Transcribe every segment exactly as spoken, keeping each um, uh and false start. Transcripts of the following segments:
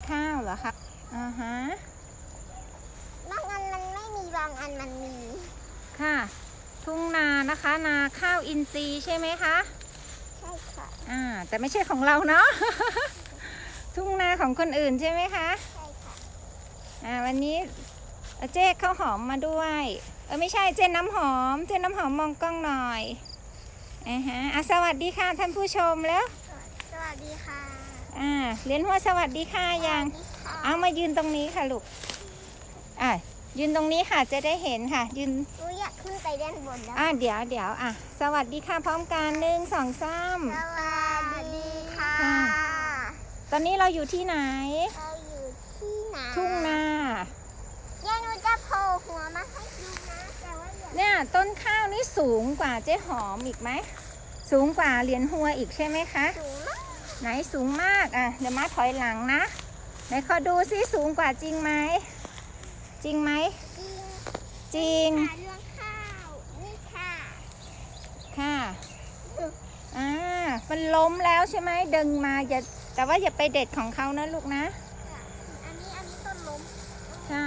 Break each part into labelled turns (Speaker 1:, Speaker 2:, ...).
Speaker 1: ข้าวเหรอคะอ่าฮะ
Speaker 2: บางอันมันไม่มีบางอันมันมี
Speaker 1: ค่ะทุ่งนานะคะนาข้าวอินทรีย์ใช่ไหมคะ
Speaker 2: ใช่ค่ะ
Speaker 1: อ่าแต่ไม่ใช่ของเราเนาะ ทุ่งนาของคนอื่นใช่ไหมคะ
Speaker 2: ใช่ค่ะ
Speaker 1: อ่าวันนี้เจ๊ข้าวหอมมาด้วยเออไม่ใช่เจ๊น้ำหอมเจ๊น้ำหอมมองกล้องหน่อยอ่าฮะอ่ะสวัสดีค่ะท่านผู้ชมแล้ว
Speaker 2: สวัสดีค่ะ
Speaker 1: อ่าเรียนหัวสวัสดีค่ะยังเอามายืนตรงนี้ค่ะลูกอ่ะยืนตรงนี้ค่ะจะได้เห็นค่ะยืน
Speaker 2: หนูอยากขึ้นไปด้านบนแล้ว
Speaker 1: อ่ะเดี๋ยวเดี๋ยวอ่ะสวัสดีค่ะพร้อมกันหนึ่งสองสาม
Speaker 2: สวัสดีค่ะ
Speaker 1: ตอนนี้เราอยู่ที่ไหน
Speaker 2: เราอยู่ที่ไหน
Speaker 1: ทุ่งนา
Speaker 2: เดี๋ยวหนูจะโผล่หัวมาให้ดูนะแต่ว่า
Speaker 1: เนี่ยต้นข้าวนี่สูงกว่าเจ๊หอมอีกไหมสูงกว่าเหรียญหัวอีกใช่ไหมคะ
Speaker 2: สูงมาก
Speaker 1: ไหนสูงมากอ่ะเดี๋ยวมาถอยหลังนะไหนขอดูซิสูงกว่าจริงไหมจริงไหมจริง
Speaker 2: เรื่องข้าวนี่ค่ะ
Speaker 1: ค่ะอ่ามันล้มแล้วใช่ไหมดึงมาอย่าแต่ว่าอย่าไปเด็ดของเขานะลูกนะ
Speaker 2: อันนี้อันนี้ต้นล้ม
Speaker 1: ค่ะ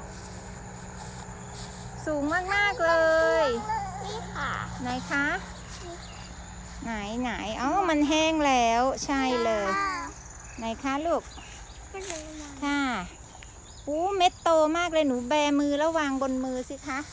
Speaker 1: สูงมากมากเลย
Speaker 2: นี่ค่ะ
Speaker 1: ไหนคะไหนไหนอ๋อมันแห้งแล้วใช่เลยไหนคะลูกค่ะอู้เม็ดโตมากเลยหนูแบมือแล้ววางบนมือสิคะ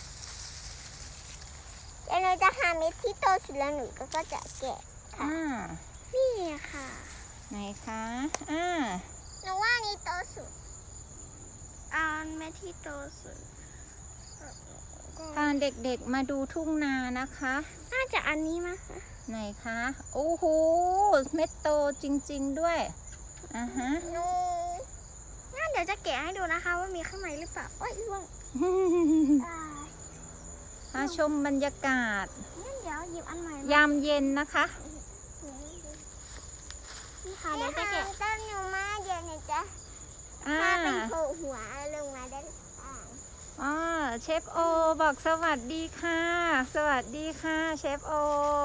Speaker 2: เดี๋ยวเราจะหาเม็ดที่โตสุดแล้วหนูก็จะแกะค่ะนี่ค่ะ
Speaker 1: ไหนคะอ่า
Speaker 2: หนูว่านี่โตสุดอ่าเม็ดที่โตสุด
Speaker 1: พาเด็กๆมาดูทุ่งนานะคะ
Speaker 2: น่าจะอันนี้มั้งคะ
Speaker 1: ไหนคะโอ้โหเม็ดโตจริงๆด้วยอ่าฮะ
Speaker 2: หนูงั้นเดี๋ยวจะแกะให้ดูนะคะว่ามีข้างในหรือเปล่าโอ้ยล่วง
Speaker 1: มาชมบรรยากาศ
Speaker 2: เดี๋ยวหยิบอันใหม่
Speaker 1: ยามเย็นนะคะ
Speaker 2: นี่ค่ะเดี๋ยวจะแกะต้นหนูมาเดี๋ยวหนูจะพาไปโผล่หัวลงมาได้
Speaker 1: อ๋อเชฟโอบอกสวัสดีค่ะสวัสดีค่ะเชฟโอ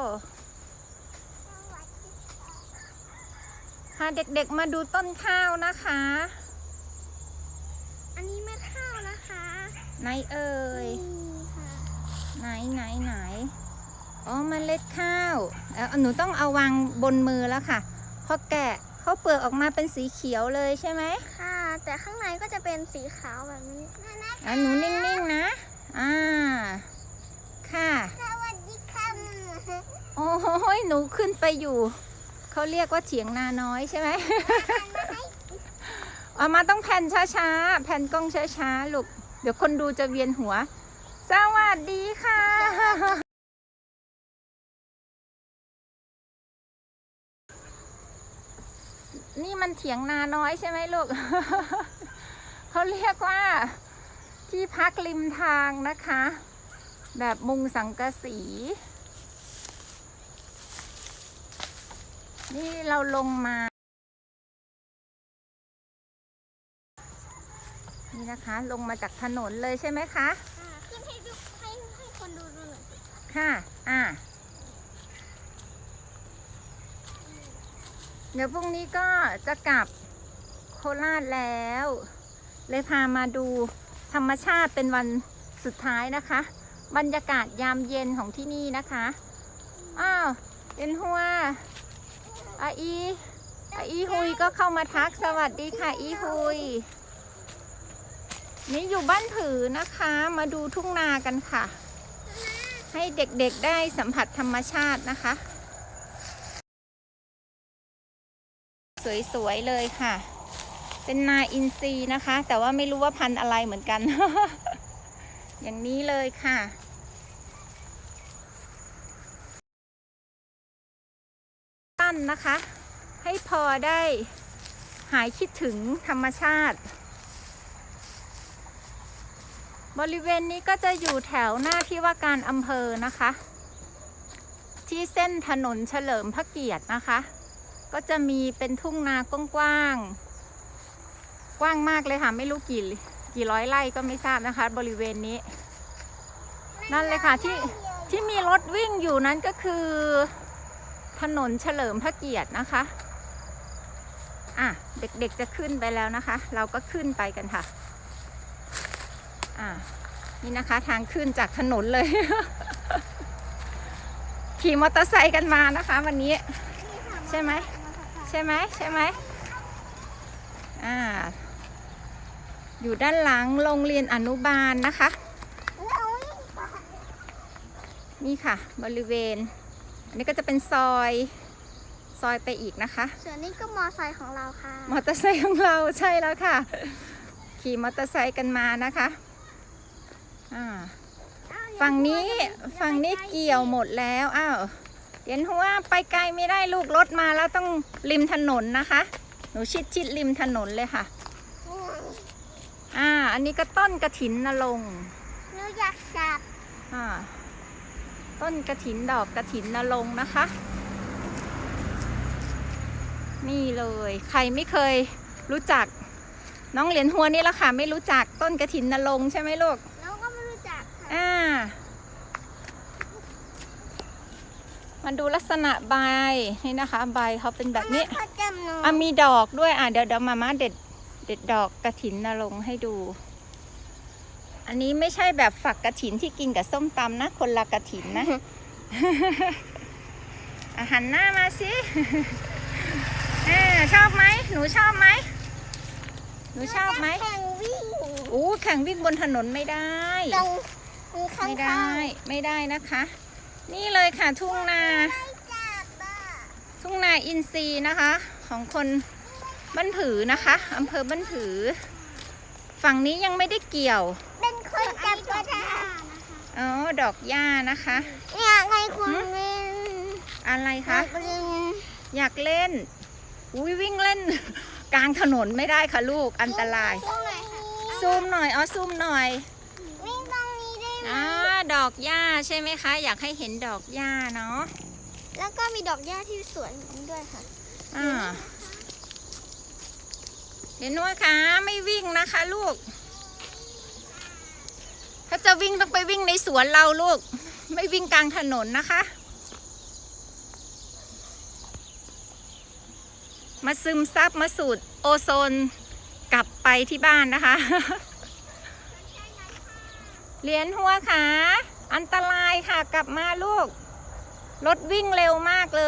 Speaker 1: พาเด็กๆมาดูต้นข้าวนะคะ
Speaker 2: อันนี้เม็ดข้าวนะคะ
Speaker 1: ไหนเอ่ยไหนไหนไหนอ๋อเมล็ดข้าวแล้วหนูต้องเอาวางบนมือแล้วค่ะพอแกะเขาเปลือกออกมาเป็นสีเขียวเลยใช่ไหม
Speaker 2: ค่ะแต่ข้างในก็จะเป็นสีขาวแบบนี้
Speaker 1: อ่ะหนูนิ่งๆนะอ่าค่ะ
Speaker 2: สวัสดีค่ะ
Speaker 1: โอ้ยหนูขึ้นไปอยู่เขาเรียกว่าเถียงนาน้อยใช่ไหมเอามาต้องแผ่นช้าๆแผ่นกล้องช้าๆลูกเดี๋ยวคนดูจะเวียนหัวสวัสดีค่ะนี่มันเถียงนาน้อยใช่ไหมลูก เขาเรียกว่าที่พักริมทางนะคะแบบมุงสังกะสีนี่เราลงมานี่นะคะลงมาจากถนนเลยใช่ไหมคะ
Speaker 2: ขึ้นให้ดูให้ให้คนดูดูหน่อย
Speaker 1: ค่ะอ่ะเดี๋ยวพรุ่งนี้ก็จะกลับโคราชแล้วเลยพามาดูธรรมชาติเป็นวันสุดท้ายนะคะบรรยากาศยามเย็นของที่นี่นะคะอ้าวเป็นหัวอาอีอาอีฮุยก็เข้ามาทักสวัสดีค่ะอีฮุยนี่อยู่บ้านผือนะคะมาดูทุ่งนากันค่ะให้เด็กๆได้สัมผัสธรรมชาตินะคะสวยๆเลยค่ะเป็นนาอินทรีย์นะคะแต่ว่าไม่รู้ว่าพันธุ์อะไรเหมือนกัน อย่างนี้เลยค่ะตั้นนะคะให้พอได้หายคิดถึงธรรมชาติบริเวณนี้ก็จะอยู่แถวหน้าที่ว่าการอำเภอนะคะที่เส้นถนนเฉลิมพระเกียรตินะคะก็จะมีเป็นทุ่งนากว้างๆกว้างมากเลยค่ะไม่รู้กี่กี่ร้อยไร่ก็ไม่ทราบนะคะบริเวณนี้นั่นเลยค่ะที่ที่มีรถวิ่งอยู่นั้นก็คือถนนเฉลิมพระเกียรตินะคะอ่ะเด็กๆจะขึ้นไปแล้วนะคะ เราก็ขึ้นไปกันค่ะอ่ะนี่นะคะทางขึ้นจากถนนเลย ขี่มอเตอร์ไซค์กันมานะคะ วันนี้ใช่ไหมใช่ไหมใช่ไหมอ่าอยู่ด้านหลังโรงเรียนอนุบาลนะคะ นี่ค่ะบริเวณอันนี้ก็จะเป็นซอยซอยไปอีกนะคะ
Speaker 2: ส่วนนี้ก็มอไซค์ของเราค่ะ
Speaker 1: มอเตอร์ไซค์ของเราใช่แล้วค่ะ ขี่มอเตอร์ไซค์กันมานะคะอ่าฝั่งนี้ฝั่งนี้เกี่ยวหมดแล้วอ้าวเดี๋ยวหัวไปไกลไม่ได้ลูกรถมาแล้วต้องริมถนนนะคะหนูชิดชิดริมถนนเลยค่ะอ่าอันนี้ก็ต้นกระถินนรงค์
Speaker 2: หนูอยากจับ
Speaker 1: อ่าต้นกระถินดอกกระถินนรงค์นะคะ นี่เลยใครไม่เคยรู้จักน้องเหรียญหัวนี่ละค่ะไม่รู้จักต้นกระถินนรงค์ใช่ไหมลูก
Speaker 2: น้องก็ไม่รู้จักค่ะ
Speaker 1: อ่ามาดูลักษณะใบนี่นะคะใบเขาเป็นแบบนี้
Speaker 2: เขาจำหนู
Speaker 1: อ่ะมีดอกด้วยอ่ะเดี๋ยวเดี๋ยวมาม่าเด็ดเด็ดดอกกระถินนรงค์ให้ดู อันนี้ไม่ใช่แบบฝักกระถินที่กินกับส้มตำนะคนละกระถินนะ อ่ะหันหน้ามาสิอ่าชอบไหมหนูชอบไหมหนูชอบไหม
Speaker 2: แข่งวิ่ง
Speaker 1: อู้แข่งวิ่งบนถนนไม่ได้
Speaker 2: ตรงตรงข้าง
Speaker 1: ไม่
Speaker 2: ๆ
Speaker 1: ได้ไม่ได้นะคะ นี่เลยค่ะทุ่งนา
Speaker 2: ไม่จับอ่ะ
Speaker 1: ทุ่งนาอินทรีย์นะคะ ของคนบ้านผือนะคะอำเภอบ้านผือ ฝั่งนี้ยังไม่ได้เกี่ยว
Speaker 2: เป็นคนจับก็ได้
Speaker 1: อ๋อดอกหญ้านะคะ
Speaker 2: เนี่ยไงคุณเล่น
Speaker 1: อะไรคะ
Speaker 2: อยากเล่น
Speaker 1: อยากเล่นอุ้ยวิ่งเล่น กลางถนนไม่ได้ค่ะลูกอันตราย
Speaker 2: ตรงไหนคะ
Speaker 1: ซูมหน่อยอ๋อซูมหน่อย
Speaker 2: วิ่งตรงนี้ได้ไหม
Speaker 1: อ่าดอกหญ้าใช่ไหมคะ อยากให้เห็นดอกหญ้าเนาะ
Speaker 2: แล้วก็มีดอกหญ้าที่สวนด้วยค่ะ
Speaker 1: อ่าเห็นว่าคะไม่วิ่งนะคะลูก ถ้าจะวิ่งต้องไปวิ่งในสวนเราลูก ไม่วิ่งกลางถนนนะคะ มาซึมซับมาสูดโอโซนกลับไปที่บ้านนะคะ เหรียญหัวขาอันตรายค่ะกลับมาลูก รถวิ่งเร็วมากเลย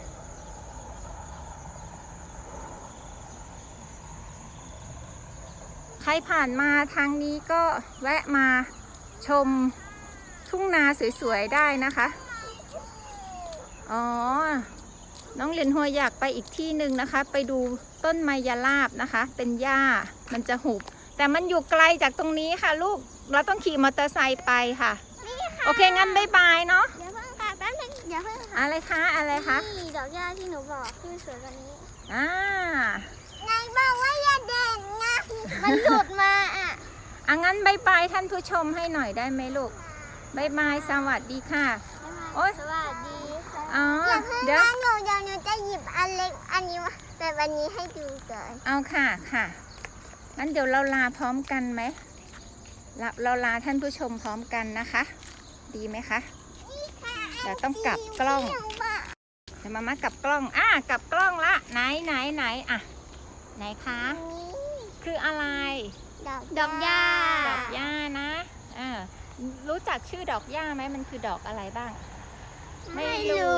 Speaker 1: ใครผ่านมาทางนี้ก็แวะมาชมทุ่งนาสวยๆได้นะคะ อ๋อ น้องเหรียญหัวอยากไปอีกที่หนึ่งนะคะ ไปดูต้นไมยลาบนะคะ เป็นหญ้ามันจะหุบ แต่มันอยู่ไกลจากตรงนี้ค่ะลูก เราต้องขี่มอเตอร์ไซค์ไปค่ะ
Speaker 2: นี่ค่ะ
Speaker 1: โอเคงั้นบ๊ายบายเนาะ
Speaker 2: เดี๋ยวเพิ่งค่ะแป๊บนึงเดี๋ยวเพิ่งค่ะ
Speaker 1: อะไรคะ อะไรคะ
Speaker 2: นี่ดอกหญ้าที่หนูบอกที่สวนตรงนี้
Speaker 1: อ่า
Speaker 2: นายบอกว่าอย่าเด่นนะมันหลุดมาอ่ะ
Speaker 1: อ่ะงั้นบ๊ายบายท่านผู้ชมให้หน่อยได้ไหมลูกบ๊ายบายสวัสดีค่ะ โอ๊ย
Speaker 2: สวัสดีค่ะ
Speaker 1: อ๋อ
Speaker 2: อย่าเพิ่ง
Speaker 1: เดี๋ยว
Speaker 2: นะหนูเดี๋ยวหนูจะหยิบอันเล็กอันนี้มาแต่วันนี้ให้ดูก่อน
Speaker 1: เอาค่ะค่ะงั้นเดี๋ยวเราลาพร้อมกันไหมเราเราลาท่านผู้ชมพร้อมกันนะคะ ดีไหมคะ เดี๋ยวต้องกลับกล้อง
Speaker 2: ที่หนูบอก
Speaker 1: เดี๋ยวมามากลับกล้อง อ่ะกลับกล้องละ ไหนไหนไหนอ่ะ ไหนคะ
Speaker 2: อันนี้
Speaker 1: คืออะไร
Speaker 2: ดอกดอกหญ้า
Speaker 1: ดอกหญ้านะเออรู้จักชื่อดอกหญ้าไหมมันคือดอกอะไรบ้าง
Speaker 2: ไม่รู้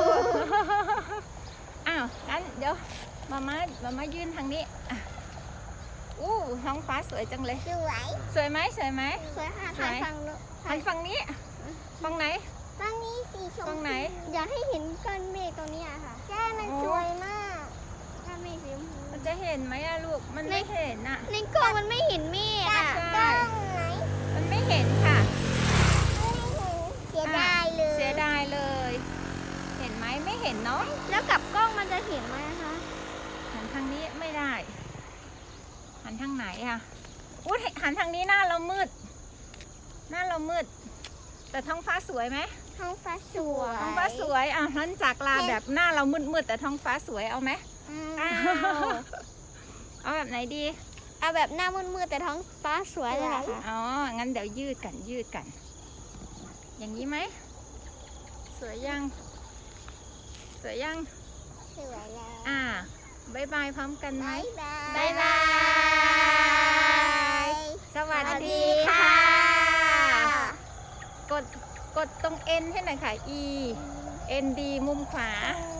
Speaker 1: อ้าวงั้นเดี๋ยวมาม่ามาม่ายื่นทางนี้อ่ะอู้ท้องฟ้าสวยจังเลย
Speaker 2: สวย
Speaker 1: สวยไหมสวยไหม
Speaker 2: สวยค่ะ
Speaker 1: สวย
Speaker 2: ถ่ายฝั่งนู้น
Speaker 1: หันฝั่งนี้ฝั่งไหน
Speaker 2: ฝั่งนี้สีชม
Speaker 1: ฝั่งไหน
Speaker 2: อยากให้เห็นก้อนเมฆตรงนี้อะค่ะใช่มัน
Speaker 1: โอ้
Speaker 2: สวยมากก้อนเมฆสีชมพู
Speaker 1: มันจะเห็นไหมอะลูก มันไม่เห็นอะ
Speaker 2: ในกล้องมันไม่เห็นเมฆอะ
Speaker 1: ใช่ มันไม่เห็นค่ะ
Speaker 2: เสียดายเลย
Speaker 1: เสียดายเลย เห็นไหมไม่เห็นเนาะ
Speaker 2: แล้วกับกล้องมันจะเห็นไหมคะ
Speaker 1: หันทางนี้ไม่ได้ หันทางไหนอะอุ้ยหันทางนี้หน้าเรามืด หน้าเรามืด แต่ท้องฟ้าสวยไหม
Speaker 2: ท้องฟ้าสวย
Speaker 1: ท้องฟ้าสวยอ่ะงั้นจากลาแบบหน้าเรามืดๆแต่ท้องฟ้าสวยเอาไหม
Speaker 2: อ้าว
Speaker 1: เอาแบบไหนดี
Speaker 2: เอาแบบหน้ามืดๆแต่ท้องฟ้าสวยเลยเหรอคะ
Speaker 1: อ๋อ งั้นเดี๋ยวยืดกันยืดกัน อย่างนี้ไหม สวยยัง สวยยัง
Speaker 2: สวยแล้ว
Speaker 1: อ่าบายบายพร้อมกันไหม
Speaker 2: บ๊ายบาย
Speaker 1: สวัสดีค่ะ กด กดตรง N ให้หน่อยค่ะ E N D มุมขวา
Speaker 2: เอ